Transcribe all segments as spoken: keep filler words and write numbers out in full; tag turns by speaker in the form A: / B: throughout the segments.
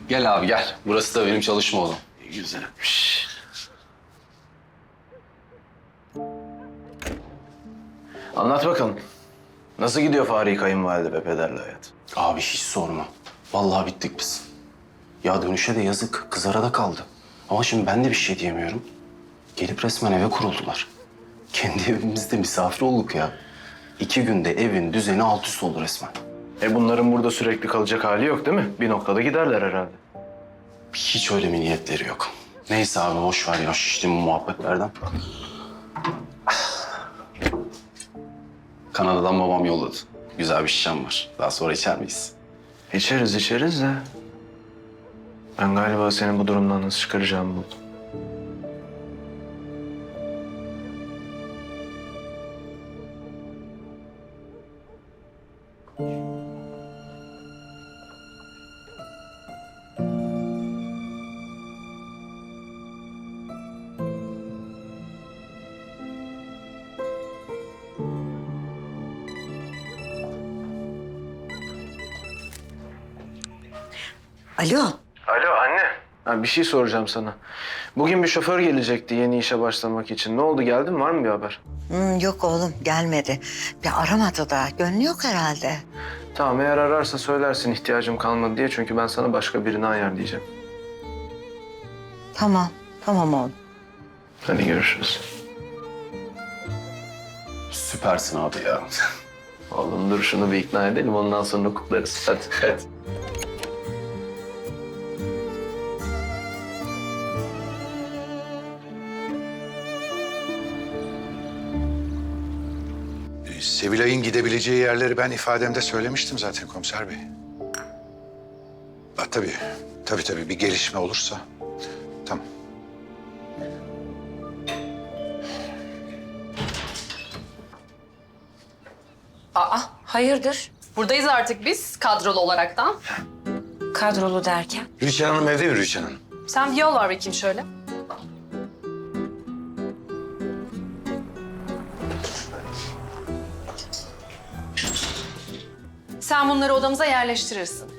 A: Gel abi gel. Burası da benim çalışma odam.
B: Güzelmiş. Anlat bakalım. Nasıl gidiyor Fahri kayınvalide ve pederle hayat?
A: Abi hiç sorma. Vallahi bittik biz. Ya dönüşe de yazık. Kız arada kaldı. Ama şimdi ben de bir şey diyemiyorum. Gelip resmen eve kuruldular. Kendi evimizde misafir olduk ya. İki günde evin düzeni alt üst oldu resmen.
B: E bunların burada sürekli kalacak hali yok değil mi? Bir noktada giderler herhalde.
A: Hiç öyle bir niyetleri yok. Neyse abi boş ver ya şiştim bu muhabbetlerden. Kanada'dan babam yolladı. Güzel bir şişem var. Daha sonra içer miyiz?
B: İçeriz içeriz de. Ben galiba senin bu durumdan nasıl çıkaracağımı buldum.
C: Alo.
B: Alo anne. Ha, bir şey soracağım sana. Bugün bir şoför gelecekti yeni işe başlamak için. Ne oldu, geldi mi? Var mı bir haber?
C: Hmm, yok oğlum gelmedi. Bir aramadı da. Gönlü yok herhalde.
B: Tamam, eğer ararsa söylersin ihtiyacım kalmadı diye. Çünkü ben sana başka birini ayarlayacağım.
C: Tamam. Tamam oğlum.
B: Hadi görüşürüz.
A: Süpersin abi ya.
B: Oğlum dur şunu bir ikna edelim, ondan sonra kutlarız. Hadi hadi.
D: Sevilay'ın gidebileceği yerleri ben ifademde söylemiştim zaten komiser bey. Ha, tabii, tabii tabii bir gelişme olursa. Tamam.
E: Aa, hayırdır?
F: Buradayız artık biz kadrolu olaraktan.
E: Kadrolu derken?
D: Rüçhan Hanım evde mi Rüçhan Hanım?
F: Sen bir yol var bakayım şöyle. Sen bunları odamıza yerleştirirsin.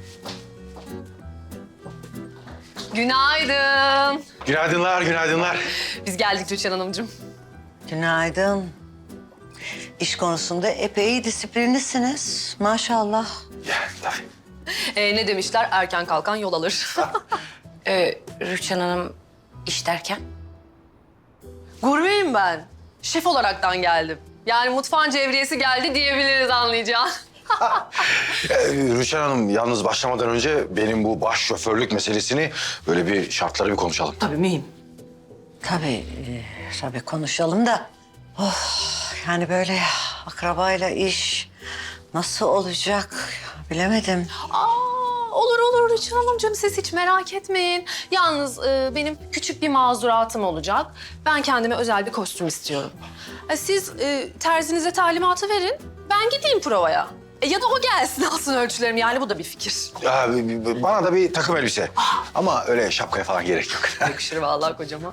F: Günaydın.
D: Günaydınlar, günaydınlar.
F: Biz geldik Tuğçe Hanımcığım.
C: Günaydın. İş konusunda epey disiplinlisiniz. Maşallah.
D: Ya tabii.
F: Ee, ne demişler? Erken kalkan yol alır.
E: Ee, Rüçhan Hanım iş derken?
F: Gurmeyim ben. Şef olaraktan geldim. Yani mutfağın cevriyesi geldi diyebiliriz anlayacağın.
D: Ee, Rüçhan Hanım yalnız başlamadan önce benim bu baş şoförlük meselesini böyle bir şartları bir konuşalım.
F: Tabii miyim?
C: Tabii, e, tabii konuşalım da. Oh, yani böyle akrabayla iş nasıl olacak bilemedim.
F: Aa, olur olur Rüçhan Hanımcığım, siz hiç merak etmeyin. Yalnız e, benim küçük bir mazuratım olacak. Ben kendime özel bir kostüm istiyorum. E, siz e, terzinize talimatı verin, ben gideyim provaya. E, ya da o gelsin alsın ölçülerimi, yani bu da bir fikir.
D: Ya, bana da bir takım elbise. Ama öyle şapkaya falan gerek yok.
F: Yakışır vallahi kocama.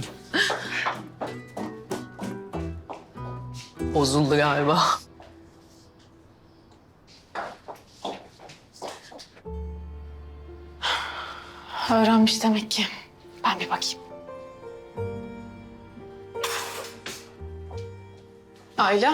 F: Bozuldu galiba. Öğrenmiş demek ki. Ben bir bakayım. Ayla.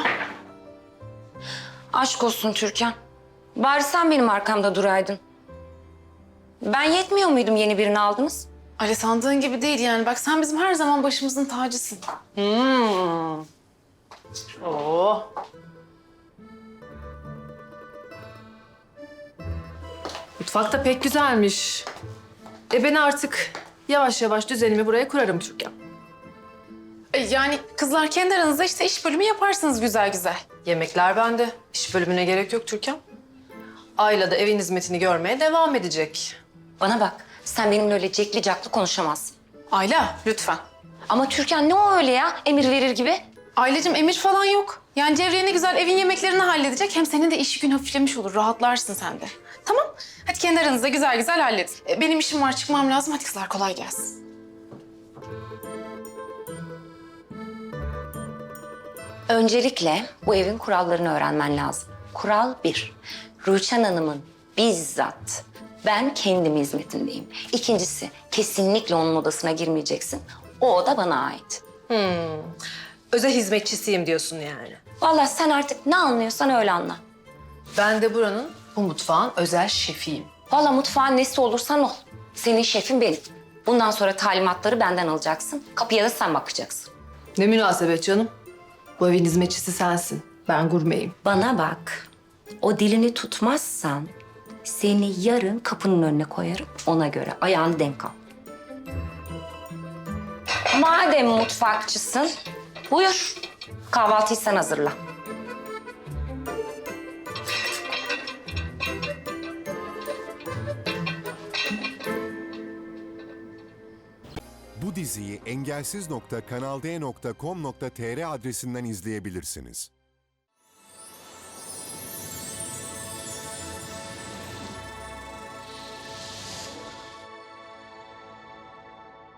E: Aşk olsun Türkan. Bari sen benim arkamda duraydın. Ben yetmiyor muydum yeni birini aldınız?
F: Öyle sandığın gibi değil yani. Bak sen bizim her zaman başımızın tacısın. Hmm. Oo. Mutfak da pek güzelmiş. E ben artık yavaş yavaş düzenimi buraya kurarım Türkan. E yani kızlar kendi aranızda işte iş bölümü yaparsınız güzel güzel. Yemekler bende. İş bölümüne gerek yok Türkan. Ayla da evin hizmetini görmeye devam edecek.
E: Bana bak, sen benimle öyle cekli caklı konuşamazsın.
F: Ayla lütfen.
E: Ama Türkan ne o öyle ya, emir verir gibi?
F: Aileciğim emir falan yok. Yani Cevriye ne güzel evin yemeklerini halledecek. Hem senin de iş gün hafiflemiş olur. Rahatlarsın sen de. Tamam. Hadi kendi aranızda güzel güzel halledin. E, benim işim var, çıkmam lazım. Hadi kızlar kolay gelsin.
E: Öncelikle bu evin kurallarını öğrenmen lazım. Kural bir, Rüçhan Hanım'ın bizzat Ben kendim hizmetindeyim. İkincisi, kesinlikle onun odasına girmeyeceksin. O oda bana ait.
G: Özel hizmetçisiyim diyorsun yani.
E: Vallahi sen artık ne anlıyorsan öyle anla.
F: Ben de buranın, bu mutfağın özel şefiyim.
E: Vallahi mutfağın nesi olursan ol. Senin şefin benim. Bundan sonra talimatları benden alacaksın. Kapıya da sen bakacaksın.
F: Ne münasebet canım. Bu evin hizmetçisi sensin. Ben gurmeyim.
E: Bana bak. O dilini tutmazsan seni yarın kapının önüne koyarım. Ona göre ayağını denk al. Madem mutfakçısın, buyur. Kahvaltıyı sen hazırla.
H: Bu diziyi engelsiz nokta kanal d nokta com nokta tr adresinden izleyebilirsiniz.